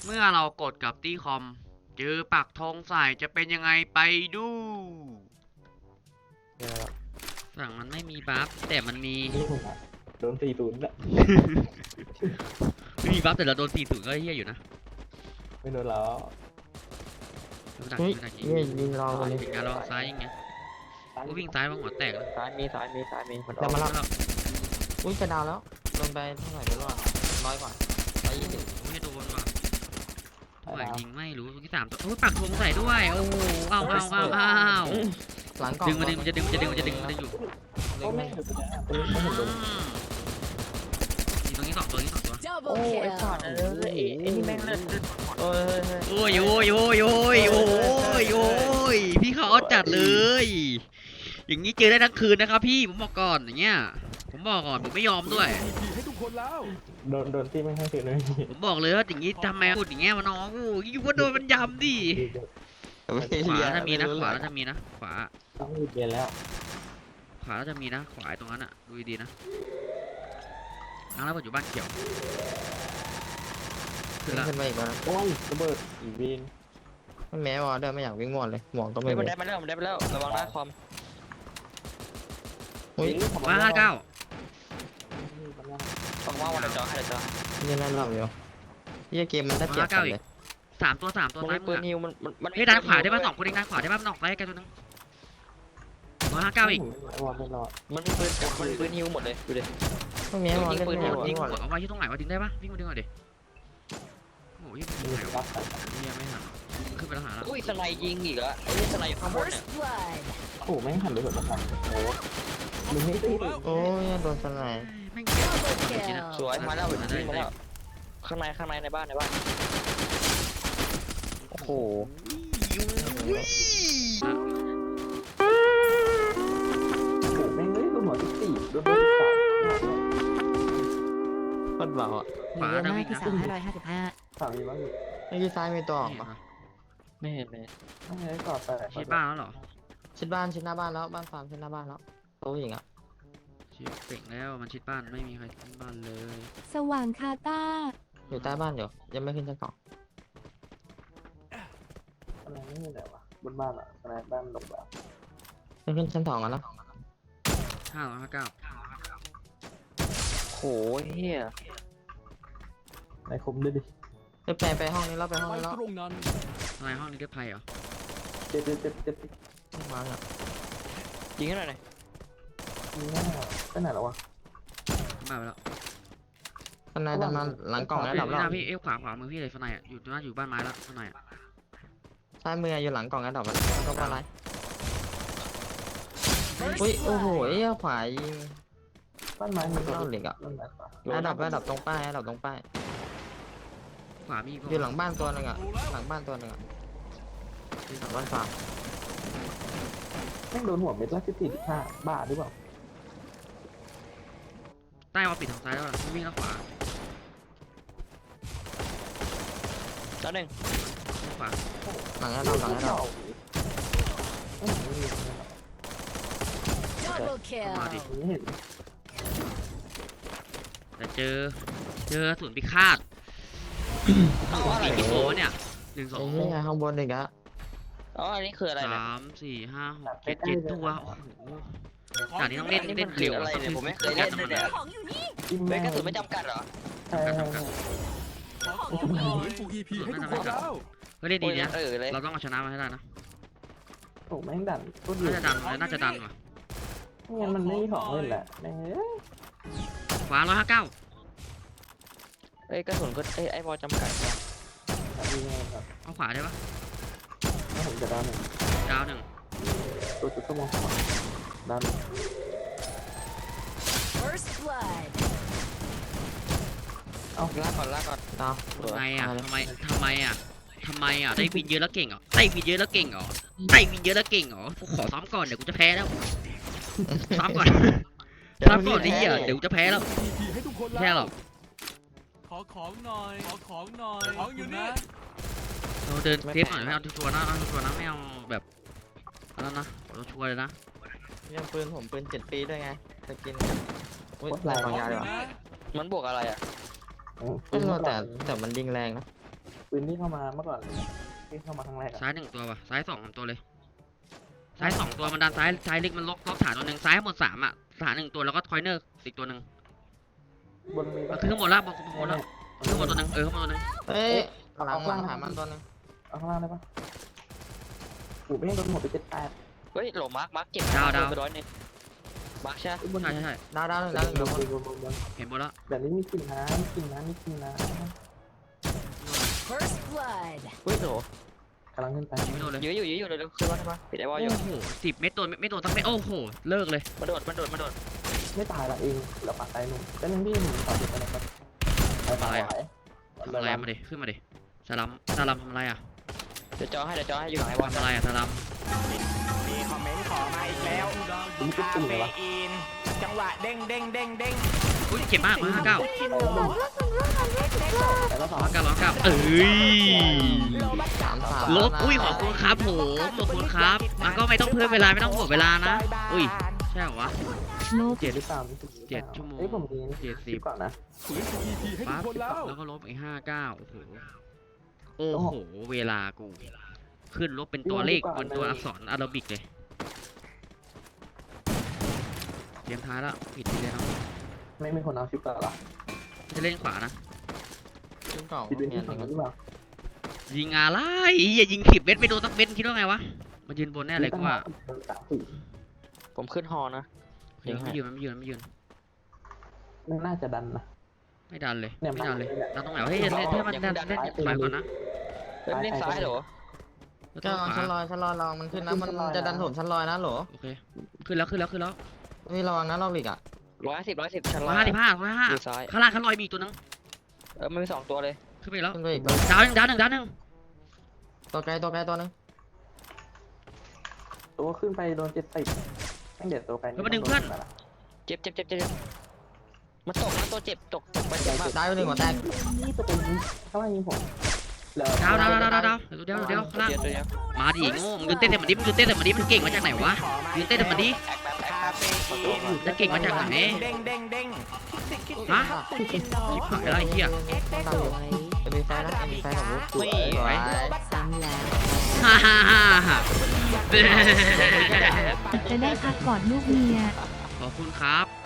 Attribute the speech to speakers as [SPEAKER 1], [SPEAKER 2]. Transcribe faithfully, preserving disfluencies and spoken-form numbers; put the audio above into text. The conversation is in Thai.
[SPEAKER 1] เมื่อเรากดกับตี้คอมเจอปักธงใส่จะเป็นยังไงไปดูฝั่งมันไม่มีบัฟแต่มันมี
[SPEAKER 2] โดนสี่ศูนย์ละ
[SPEAKER 1] ไม่มีบัฟแต่เราโดนสี่ศูนย์ก็เฮี้ยอยู่นะ
[SPEAKER 2] ไม่โดนแล้ว
[SPEAKER 1] ดัก
[SPEAKER 3] เฮ้ย
[SPEAKER 1] ยิงดักยิง
[SPEAKER 3] ยิงยิงรอเลย
[SPEAKER 1] ยิงการลองซ้ายยิงไงก็วิ่งซ้ายมาหัวแตกเลย
[SPEAKER 4] ซ้ายมีซ้ายมีซ้ายมีมัน
[SPEAKER 3] จะมาแล้วอุ้ยจะดาวแล้วลงไปเท่าไหร่ไม่รู้อ่ะร้อยกว่าร้อยยี่สิบ
[SPEAKER 1] ไม่โดนว่ะตัวยิงไม่รู้ตัวที่สามตัวโอ้ยปักธงใส่ด้วยโอ้โหอ้าวอ้าวอ้าวอ้าว
[SPEAKER 3] หลังกล่อง
[SPEAKER 1] ดึงมาดึงมันจะดึงมันจะดึงมันจะดึงมันจะอยู่
[SPEAKER 2] ก็ไม่เห็นตัวนี้ตัวนี้ไม่เห็นโดน
[SPEAKER 1] ตรงนี้สองตัวนี้สองตัว
[SPEAKER 4] โอ้ไอ้สัตว์เอ้ยไอ้นี่แม่งเล่นเอ้ย
[SPEAKER 1] โอ้ยโอ้ยโอ้ยโอ้ยโอ้ยโอ้ยพี่เขาเอาจัดเลย อย่างนี้เจอได้ทั้งคืนนะครับพี่ผมบอกก่อนอย่างเงี้ยผมบอกก่อนผมไม่ยอมด้วย
[SPEAKER 2] โดนโดนที่ไม่ให้คืนเลย
[SPEAKER 1] ผมบอกเลยว่าอย่างนี้ทำไมพูดอย่างเงี้ยมาน้องกูยิ่งว่าโดนมันยำดิขวาถ้ามีนะขวาถ้ามีนะขวา
[SPEAKER 2] ต้องรีบเรียนแล้ว
[SPEAKER 1] ขวาจะมีนะขวาตรงนั้นอ่ะดูดีๆนะนั่งแล้วอยู่บ้านเขียวขึ้นละ
[SPEAKER 3] ขึ้นไปอีกแล้ว
[SPEAKER 2] โอ้ยระเบิดอีวีน
[SPEAKER 3] ไม่แม้วอเดินไม่อยากวิ่งหมดเลยหมวกก็ไม่
[SPEAKER 4] เฮ้ยมัน
[SPEAKER 3] มี
[SPEAKER 4] ได้มาแล้วมันได้มาแล้วระวังนะคอม
[SPEAKER 3] อุ้ย
[SPEAKER 1] มาห้าเก้า
[SPEAKER 4] ต้องว่าวันเดี๋ยวจอให้เดี๋ยวจอ
[SPEAKER 3] ยังนั่นหลับอยู่ที่เกมมันได้เปรียบกันเลย
[SPEAKER 1] สามตัวสามตัว
[SPEAKER 4] มัน
[SPEAKER 1] ซ้าย
[SPEAKER 4] มี
[SPEAKER 1] มื
[SPEAKER 4] ปื
[SPEAKER 1] อน
[SPEAKER 4] นิวมันมัน
[SPEAKER 1] เฮ้ยด้านขวาได้ป่ะสองคนเองด้านขวาได้ป่ะนอกซ้ายกันตัวนึงมาห้าเก้าอีก
[SPEAKER 2] วอลไม่รอด
[SPEAKER 4] มันมีปืนมันมีปืนนิวหมดเลยดูดิ
[SPEAKER 3] ไม่แม้วอเล่นไม่
[SPEAKER 1] ยิ
[SPEAKER 3] หมด
[SPEAKER 1] ง
[SPEAKER 3] วิ่งหมด
[SPEAKER 1] กดเอาไว้ที่ตรงไหนวะดึงได้ป่ะวิ่งมาดึงหน่อยดิโอ้ยยิง
[SPEAKER 2] มี
[SPEAKER 1] ไหน
[SPEAKER 2] รั
[SPEAKER 1] วะ
[SPEAKER 2] บแต่
[SPEAKER 1] เฮียไม่หันขึ้นไปแล้วหาแล้ว
[SPEAKER 4] อุ้ยสไนยิงอีกแล้วไอ้นี่สไนอยู่ข้างบนเนี่ย
[SPEAKER 2] โอ้แม่งหันไปหมดแล้วโอ้มึงไม่ตี
[SPEAKER 3] โอ้ยโดนสไนด์
[SPEAKER 1] แม่งเจ็บจริงนะ
[SPEAKER 4] สวยมาแล้ววิ่งมาแล้วข้างในข้างในในบ้านในบ้านโอ้โห
[SPEAKER 2] โอ้แม่งเลยโดนหัวสิบสี่โดนหัวสิบสาม
[SPEAKER 3] โคตรเบาอ่ะ
[SPEAKER 1] ขวาจะวิ่งนะ
[SPEAKER 5] สามห้าร้อยห้าสิบห้า
[SPEAKER 2] สามมีบ้างอยู่
[SPEAKER 3] เมื่อกี้ซ้ายมีตัวออกปะ
[SPEAKER 4] ไม่เห็นเลย
[SPEAKER 2] ไม่ได้ก่อแต่
[SPEAKER 1] ชิดบ้านแล้วเหรอ
[SPEAKER 3] ชิดบ้านชิดหน้าบ้านแล้วบ้านฟาร์มชิดหน้าบ้านแล้วโต๊ะอย่างเงี้ย
[SPEAKER 1] ชิดเป่งแล้วมันชิดบ้านไม่มีใครชิดบ้านเลย
[SPEAKER 5] สว่างคาตา
[SPEAKER 3] อยู่ใต้บ้านอยู่ยังไม่ขึ้นชั้นสอง
[SPEAKER 2] อะไรไม่มีไหนวะบนบ้านอ่ะอะไรบ้านหลบแบบ
[SPEAKER 3] ไม่ขึ้นชั้นสองกันแล้ว
[SPEAKER 1] ห้าร้อยห้าเก้า
[SPEAKER 4] โหเฮีย
[SPEAKER 2] ในคุมด้วยดิ
[SPEAKER 3] ไปไปไปห้องนี้แล้วไปห้องนี้แล้ว
[SPEAKER 1] ทำไมห้องนี้ก็ไพ่เหรอ
[SPEAKER 2] เจ็บเจ็บเจ็บเจ็บ
[SPEAKER 3] มาเนี่ย
[SPEAKER 4] ยิงให้หน่อยหน่อย
[SPEAKER 2] มีหน้าไปไหนแล้ววะ
[SPEAKER 1] บ้านไปแล้ว
[SPEAKER 3] ข้างในจะมาหลังกล่องแล้วดับ
[SPEAKER 1] พี่
[SPEAKER 3] แล้ว
[SPEAKER 1] หน้าพี่เอ้ยขวาขวามือพี่เลยข้างในอ่ะอยู่หน้าอยู่บ้านไม้แล้วข้างในอ่ะ
[SPEAKER 3] ซ้ายมืออยู่หลังกล่องแล้วดับแล้วก็ปลาไหลอุ้ยโอ้โหไอ้ขวายิง
[SPEAKER 2] บ้านไม้มี
[SPEAKER 3] เข้าเหล็กอ่ะ
[SPEAKER 2] บ้านไม้ปะ
[SPEAKER 3] แล้วดับแล้วดับตรงป้ายแล้วดับตรงป้าย
[SPEAKER 1] ขวามี
[SPEAKER 3] อยู่หลังบ้านตัวหนึงอ่ะหลังบ้านตัวหนึงอ่ะหลังบ้านฟาร์ม
[SPEAKER 2] แม่งโดนหัวเม็ดละสิบสี่สิบห้าบ้าหรือเปล่า
[SPEAKER 1] ใต้มาปิดทางซ้ายแล้ววิ่งทางขวา
[SPEAKER 4] แล้วหนึ่ง
[SPEAKER 1] ขวา
[SPEAKER 3] หลังแล้วดับหลังแล้วดับ
[SPEAKER 1] มาดิ
[SPEAKER 2] ไม่เห็น
[SPEAKER 1] แต่เจอเจอศูนย์พิฆาตสี่กิโลเนี่ยหนึ่งสอ
[SPEAKER 3] ไอ้
[SPEAKER 1] ง
[SPEAKER 3] เหี้ยข้างบนอีกอะ
[SPEAKER 4] อ๋ออันนี้คืออะไรเนี่ย
[SPEAKER 1] สามสี่ห้าหกเจ็ดเจ็ดตัวโอ้โหด่านนี้ต้องเล่นเล่นเร็ว
[SPEAKER 4] อะไรเนี่ยผมไม่เคยเล่นเลยเนี่ย
[SPEAKER 2] จิ้ม
[SPEAKER 4] เล่
[SPEAKER 2] แม่
[SPEAKER 4] น
[SPEAKER 2] ง
[SPEAKER 4] กระสุนไม่จำกัดเหรอ
[SPEAKER 2] ใช่ใช่ใช่
[SPEAKER 1] ก็เล่นดีนะ
[SPEAKER 4] เออเลย
[SPEAKER 1] เราต้องเอาชนะมาให้ได้นะ
[SPEAKER 2] โอ้แม่งดันก็ดี
[SPEAKER 1] น่าจะดันน่าจะดันว่ะ
[SPEAKER 2] ไม่งั้นมันไม่มีของเล่นแหละแม่ง
[SPEAKER 1] ขวาร้อยห้าเก้า
[SPEAKER 4] เอ้ยกระสุนก็เอ้ยไอ้บอลจำกัดเนี่ย
[SPEAKER 2] ดีไงครับ
[SPEAKER 1] เอาขวาได้ปะ
[SPEAKER 2] ถ้าผมจะดัน
[SPEAKER 1] ดาวหนึ่ง
[SPEAKER 2] ตัวจุดต้องมองดัน
[SPEAKER 5] First blood
[SPEAKER 4] เอาลากก่อนลากก่อน
[SPEAKER 3] ดาว
[SPEAKER 1] ทำไมอ่ะทำไมทำไมอ่ะทำไมอ่ะได้วินเยอะแล้วเก่งเหรอได้วินเยอะแล้วเก่งเหรอได้วินเยอะแล้วเก่งเหรอกูขอซ้อมก่อนเดี๋ยวกูจะแพ้แล้วซ้อมก่อนซ้อมก่อนนี่อ่ะเดี๋ยวกูจะแพ้แล้วแพ้หรอก
[SPEAKER 6] ขอของหน่อย ขอของหน่อย ของอยู่นี่
[SPEAKER 1] เราเดินเทปหน่อยไม่เอาชัวร์นะเอาชัวร์นะไม่เอาแบบอะไรนะเราชัวร์เลยนะ
[SPEAKER 3] ยังปืนผมปืนเจ็ดปีด้วยไงสกินอุ้ยลายบางยาดีกว่า
[SPEAKER 4] มันบวกอะไรอ่ะ
[SPEAKER 3] ไม่รู้แต่แต่มันยิงแรงนะ
[SPEAKER 2] ปืปืนที่เข้ามาเมื่อก่อนที่เข้ามาครั้งแรกอะ
[SPEAKER 1] ซ้ายหนึ่งตัวว่ะซ้ายสองสามตัวเลยซ้ายสองตัวมันดันซ้ายซ้ายเล็กมันล็อกล็อกฐานตัวหนึ่งซ้ายหมดสามอ่ะฐานหนึ่งตัวแล้วก็คอยเนอร์อีกตัวหนึ่ง
[SPEAKER 2] บนมี
[SPEAKER 1] มัน
[SPEAKER 2] ปะ
[SPEAKER 1] ขึ้นข้างบนแล้วบนข้างบนแล้วขึ้นข้างบนตัวหนึ่งเออข้างบนตัวหนึ่ง
[SPEAKER 3] เฮ้ยหลังหลังหามันตัวนึง
[SPEAKER 2] เอาข้างล่างได้ปะกูไม่ให้โดนหัวไปเจ็ดแปด
[SPEAKER 4] เฮ้ยโหลมาร์คมาร์คเจ็บไปร้อยหนึ่งมาร์คใช่
[SPEAKER 2] บน
[SPEAKER 1] ใช่ใช่ใช่
[SPEAKER 3] ดาวดาวหนึ่งดาวหนึ่ง
[SPEAKER 2] บ
[SPEAKER 3] ดาวน หนึ่ง
[SPEAKER 2] บนบนบน
[SPEAKER 1] เห็นบนแล้ว
[SPEAKER 2] แบบนี้มีกลิ่นน้ำมีกลิ่นน้ำมีกลิ่นน้
[SPEAKER 5] First blood.
[SPEAKER 4] เฮ้ยโหล
[SPEAKER 2] ำกำลังขึ้นไป
[SPEAKER 1] ไม่โดนเลย
[SPEAKER 4] ยื้ออยู่ยื้ออยู่เร็วๆขึ้นมาขึ้นมาปิดไอ้วอลอยู่
[SPEAKER 1] โอ้โหสิบเม็ดโดนไม่โดนสักเม็ดโอ้โหเลิกเลย
[SPEAKER 4] มาโดดมาโดดมาโดด
[SPEAKER 2] ไม่ตายละเองเหลือปากตายหนุ่มก็ยังพี่หนุ่มต่อเด็กไปนะครับไปตายไหว
[SPEAKER 1] ทำอะไรมาดิขึ้นมาดิสลัมสลัมทำอะไรอ่ะ
[SPEAKER 4] เดี๋ยวจอให้เดี๋ยวจอให้อยู่หลังไอ้วอล
[SPEAKER 1] ทำอะไรอ่ะสลัม
[SPEAKER 7] มีคอมเมนต์ขอมาอีกแล้ว
[SPEAKER 2] มันก็
[SPEAKER 7] คา
[SPEAKER 2] ตุ่ม
[SPEAKER 7] เฟ
[SPEAKER 2] เลยวะ
[SPEAKER 7] อีน จังหวะเด้งเด้งเด้งเด้ง
[SPEAKER 1] อุ้ยเจ็บมากมาห้าเก้า
[SPEAKER 2] แต่ก็สอง
[SPEAKER 1] ร้อยเก้าร้อยเก้าเอ้ย
[SPEAKER 3] สามสาม
[SPEAKER 1] ลบอุ้ยขอบคุณครับผมขอบคุณครับมันก็ไม่ต้องเพิ่มเวลาไม่ต้องหมดเวลานะอุ้ยใช่เหรอวะ
[SPEAKER 5] ลบ
[SPEAKER 2] เจ็ดหรือเปล่ามีสิบ
[SPEAKER 1] เจ็ดชั่วโมง
[SPEAKER 2] เอ้ยผมมี
[SPEAKER 1] เจ็ดสิบ
[SPEAKER 2] ก่อนนะ
[SPEAKER 6] ฝืน อี พี ให้ทุ
[SPEAKER 1] ปั๊
[SPEAKER 6] ก
[SPEAKER 1] บ
[SPEAKER 6] คนแล้ว
[SPEAKER 1] แล้วก็ลบอีกห้าเก้าโอ้โหโอ้โหเวลากูขึ้นลบเป็นตัวเลขบนตัวอักษรอาราบิกเลยเกมท้ายแล้วผิดไปเลยเนาะ
[SPEAKER 2] ไม่มีคนเอาชิปก่อนหรอ
[SPEAKER 1] จะเล่นขวานะ
[SPEAKER 3] ชิ้นกล่อง
[SPEAKER 2] คิดเป็น
[SPEAKER 3] เนีย
[SPEAKER 2] ที่
[SPEAKER 3] น
[SPEAKER 2] สอง
[SPEAKER 3] หนึ่ง
[SPEAKER 2] หรือเปล่า
[SPEAKER 1] ยิงอะไรอย่ายิงผิดเม็ดไม่โดนสักเม็ดคิดว่าไงวะมายืนบนแน่เลยกูว่า
[SPEAKER 2] สามสี่
[SPEAKER 4] ผมขึ้นฮอนะ
[SPEAKER 1] เดี๋ยวไม่ยืนไม่ยืนไม่ยืน
[SPEAKER 2] มันน่าจะดันนะ
[SPEAKER 1] ไม่ดันเลย
[SPEAKER 2] เนี่ย
[SPEAKER 1] ไม่ดันเลย
[SPEAKER 2] เนี่ย
[SPEAKER 1] ดันตรงไหนวะเฮ้ยเล่นเล่นให้มันดันเล่นถอยก่อนนะ
[SPEAKER 4] เฮ้ยเล่นซ้ายเหรอ
[SPEAKER 1] แล้ว
[SPEAKER 3] ก็
[SPEAKER 1] ต้องข
[SPEAKER 3] ชั้นล
[SPEAKER 1] วา
[SPEAKER 3] อยชั้นลอยลองมันขึ้นนะมันจะดันถมชั้นลอยนะโหล
[SPEAKER 1] โอเคขึ้นแล้วขึ้นแล้วขึ้นแล้ว
[SPEAKER 3] เฮ้ยระวังนะลอกหลีกอ่ะ
[SPEAKER 4] ร้อยห้าสิบร้อยสิบชั้น
[SPEAKER 1] ร้
[SPEAKER 4] ล่า
[SPEAKER 1] อยห้าสิบห้าร้อยห้า
[SPEAKER 4] อยู่ซ้าย
[SPEAKER 1] ข้างล่างข้างลอยมีอีกตัวนึง
[SPEAKER 4] เออมันมีสองตัวเลย
[SPEAKER 1] ขึ้นไปแล้ว
[SPEAKER 3] ขึ้นไปอีก
[SPEAKER 1] ดาวหนึ่งดาวหนึ่งดาวหนึ่ง
[SPEAKER 3] ตัวไกลตัวไกลตัวนึง
[SPEAKER 2] ตัวขึ้นไปโดนเจ็ดสิบตั้งเด็ดตัวไป
[SPEAKER 4] เจ็บเจ็บเจ็บเจ็บมันตกนะตัวเจ็บตกตกไปเจ็บมาก
[SPEAKER 3] ดาวหนึ่งหัวแตก
[SPEAKER 2] นี่ตัวเป็นข้างล่างยิงผม
[SPEAKER 1] ดาวดาวดาวดาวดาวเดี๋ยวเดี๋ยวเดี๋ยวข้างล่าง
[SPEAKER 4] เดียวตัวเดียว
[SPEAKER 1] มาดิโง่มึงยืนเต้นแต่มันดิมึงยืนเต้นแต่มันดิมันเก่งมาจากไหนวะยืนเต้นแต่มันดิ
[SPEAKER 7] คาเฟอีน
[SPEAKER 1] จะเก่งมาจากไหน
[SPEAKER 7] เด้งเด้งเด้ง
[SPEAKER 1] ฮะชิบหายแล้วไอ้เหี้ย
[SPEAKER 3] ดาวอยู่เอ็มบีไฟนะเอ็มบีไฟของบุ๊กสวยสวย
[SPEAKER 5] ซ้ำแล้ว
[SPEAKER 1] ฮ่าฮ่าฮ่าฮ่า
[SPEAKER 5] จะได้พักกอดลูกเมีย
[SPEAKER 1] ขอบคุณครับ